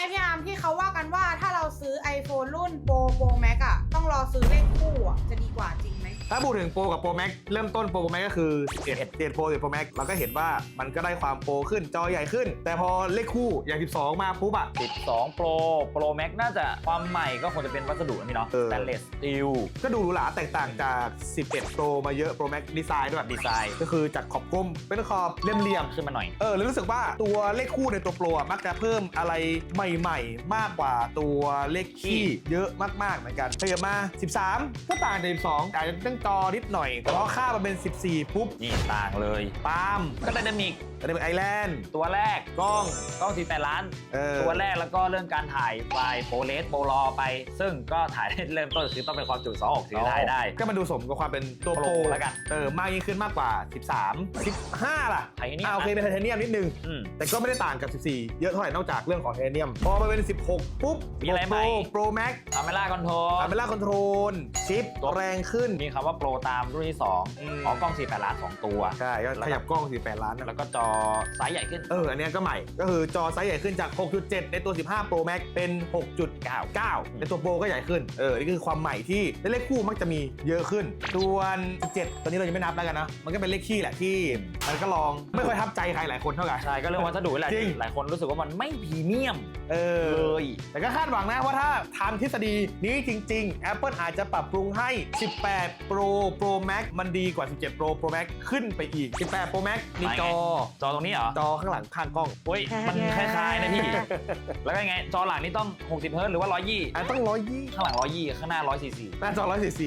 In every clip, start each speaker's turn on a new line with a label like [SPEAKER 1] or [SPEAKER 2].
[SPEAKER 1] พี่อาร์มที่เขาว่ากันว่าถ้าเราซื้อ iPhone รุ่นโปรแม็กอะต้องรอซื้อเลขคู่อะจะดีกว่าจริงไหม
[SPEAKER 2] ถ้าพูดถึงโปรกับโปรแม็กเริ่มต้นโปรแม็กก็คือ11โปร11โปรแม็กเราก็เห็นว่ามันก็ได้ความโปรขึ้นจอใหญ่ขึ้นแต่พอเลขคู่อย่าง12มาปุ๊บอะ
[SPEAKER 3] 12 Pro Max น่าจะความใหม่ก็คงจะเป็นวัสดุนี่เนาะ Stainless Steel
[SPEAKER 2] ก็ดูหรูหราแตกต่างจาก11 Pro มาเยอะ Pro Max ดีไซน์ด้วยดีไซน์ก็คือจากขอบกลมเป็นขอบเหลี่ยม
[SPEAKER 3] ขึ้นมาหน่อย
[SPEAKER 2] แล้วรู้สึกว่าตัวเลขคู่ในตัวโปรมักจะเพิ่มอะไรใหม่ๆมากกว่าตัวเลขคี่เยอะมากๆเหมือนกันขยับมา13ก็ต่างจาก12อาจจะเรื่องจอนิดหน่อยเพราะค่ามันเป็น14ปุ๊บ
[SPEAKER 3] นี่ต่างเลย
[SPEAKER 2] ปาล์ม
[SPEAKER 3] ก็ไดนามิก
[SPEAKER 2] ไอแลนด์
[SPEAKER 3] ตัวแรก
[SPEAKER 2] กล้อง
[SPEAKER 3] 48 ล้านตัวแรกแล้วก็เรื่องการถ่ายไฟล์โปรเลสโปรรอไปซึ่งก็ถ่ายได้เริ่มต้นคือต้องเป็นความจุ2.6 ถือถ่ายได้
[SPEAKER 2] ก็มาดูสมกับความเป็นตัวโปร
[SPEAKER 3] แล้วกัน
[SPEAKER 2] มากยิ่งขึ้นมากกว่า13 15ล่ะ
[SPEAKER 3] ไทเทเนียม
[SPEAKER 2] โอเคเป็นไทเทเนียมนิดนึงแต่ก็ไม่ได้ต่างกับ14เยอะเท่าไหร่นอกจากเรื่องของไทเทเนียมพอมาเป็น16ปุ๊บ
[SPEAKER 3] มีอะไรใหม่
[SPEAKER 2] โปรแม็ก
[SPEAKER 3] คาเมล่าคอนโทรล
[SPEAKER 2] ชิปแรงขึ้น
[SPEAKER 3] มีคำว่าโปรตามรุ่นที่2กล้อง48 ล้าน2ตัว
[SPEAKER 2] ใช่ก็ขยับกล้อง48 ล้าน
[SPEAKER 3] แล้วก็จอไซส์ใหญ่ขึ้น
[SPEAKER 2] อันนี้ก็ใหม่ก็คือจอไซส์ใหญ่ขึ้นจาก 6.7 ในตัว15 Pro Max เป็น 6.99 ในตัวโปรก็ใหญ่ขึ้นนี่คือความใหม่ที่เลขคู่มักจะมีเยอะขึ้นส่วน17ตอนนี้เรายังไม่นับแล้วกันนะมันก็เป็นเลขคี่แหละที่มันก็ลองไม่ค่อยทับใจใครหลายคนเท่าไหร่
[SPEAKER 3] ใช่ก็เรื่องวัสดุแหละหลายคนรู้สึกว่ามันไม่พรีเมียม
[SPEAKER 2] เลยแต่ก็คาดหวังนะว่าถ้าทำทฤษฎีนี้จริงๆ Apple อาจจะปรับปรุงให้18 Pro Max มันดีกว่า17 Pro Max ขึ้นไปอีก18 Pro Max มีจอ
[SPEAKER 3] ตรงนี้เหรอ
[SPEAKER 2] จอข้างหลังข้างกล้อง
[SPEAKER 3] เฮ้ยมันคล้ายๆนะพี่แล้วก็ไงจอหลังนี่ต้อง60 เฮิร์ตซ์หรือว่า120
[SPEAKER 2] ต้อง120
[SPEAKER 3] ข้างหลัง120ข้างหน้า144
[SPEAKER 2] หน้าจอ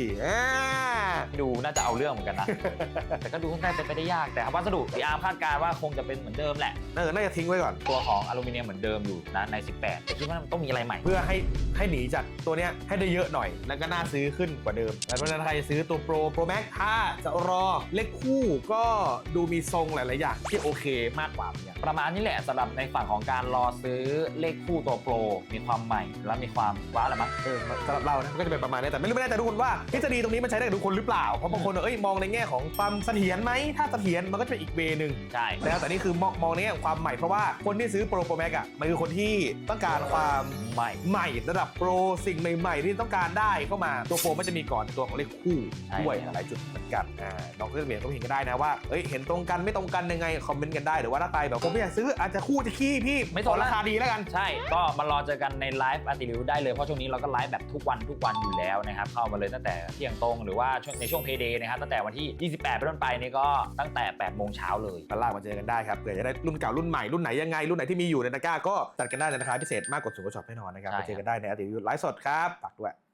[SPEAKER 2] 144
[SPEAKER 3] ดูน่าจะเอาเรื่องเหมือนกันนะแต่ก็ดูค่อนข้างเป็นไปได้ยากแต่วัสดุที่อาร์มคาดการณ์ว่าคงจะเป็นเหมือนเดิมแหละ
[SPEAKER 2] น่าจะทิ้งไว้ก่อน
[SPEAKER 3] ตัวของอลูมิเนียมเหมือนเดิมอยู่นะใน18แต่คิดว่ามันต้องมีอะไรใหม่
[SPEAKER 2] เพื่อให้หนีจากตัวเนี้ยให้ได้เยอะหน่อยแล้วก็น่าซื้อขึ้นกว่าเดิมแต่เพราะฉะนั้นใครซื้อตัวโปรแม็กถ้าจะรอเลขคู่ก็ดูมีทรงหลายๆอย่างที่โอเคมากกว่าอย่าง
[SPEAKER 3] ประมาณนี้แหละสำหรับในฝั่งของการรอซื้อเลขคู่ตัวโปรมีความใหม่และมีความว้าวอะไรมั้ง
[SPEAKER 2] สำหรับเรานะก็จะเป็นประมาณนี้แต่ไม่แน่ใจทุกคนว่าทฤษฎีตรงนี้มันใช้ได้กับทุกคนหรือเปล่าเพราะบางคนมองในแง่ของความเสถียรไหมถ้าเสถียรมันก็จะเป็นอีกเวนึง
[SPEAKER 3] ใช่
[SPEAKER 2] แต่นี่คือมองในแง่ความใหม่เพราะว่าคนที่ซื้อโปรแม็กอ่ะมันคือคนที่ต้องการความใหม่ระดับโปรสิ่งใหม่ๆที่ต้องการได้เข้ามาตัวโปรมันจะมีก่อนตัวของเลขคู่ด้วยหลายจุดเหมือนกันน้องเพื่อนเมียก็เห็นกันได้นะว่าเห็นตรงกันไม่ตรงกันยังไงคอมเมนต์กันได้หรือว่าถ้าใครแบบผมไม่อยากซื้ออาจจะคู่จะขี้พี่
[SPEAKER 3] ไม่สน
[SPEAKER 2] ราคาดีแล้วกัน
[SPEAKER 3] ใช่ก็มารอเจอกันในไลฟ์อาร์ติริวได้เลยเพราะช่วงนี้เราก็ไลฟ์แบบทุกวันอยู่แล้วนะครับเข้ามาเลยตั้งแต่เที่ยงตรงหรือว่าในช่วงเพย์เดย์นะครับตั้งแต่วันที่28เป็นต้นไปนี่ก็ตั้งแต่8 โมงเช้าเลย
[SPEAKER 2] ก็ลากมาเจอกันได้ครับเผื่อจะได้รุ่นเก่ารุ่นใหม่รุ่นไหนยังไงรุ่นไหนที่มีอยู่ในตะกร้าก็จัดกันได้ในราคาพิเศษมากกว่าสุดกว่าช็อปแน่นอนนะครับไปเจอกันได้ในอาร์ติริวไลฟ์สดครับฝากด้วย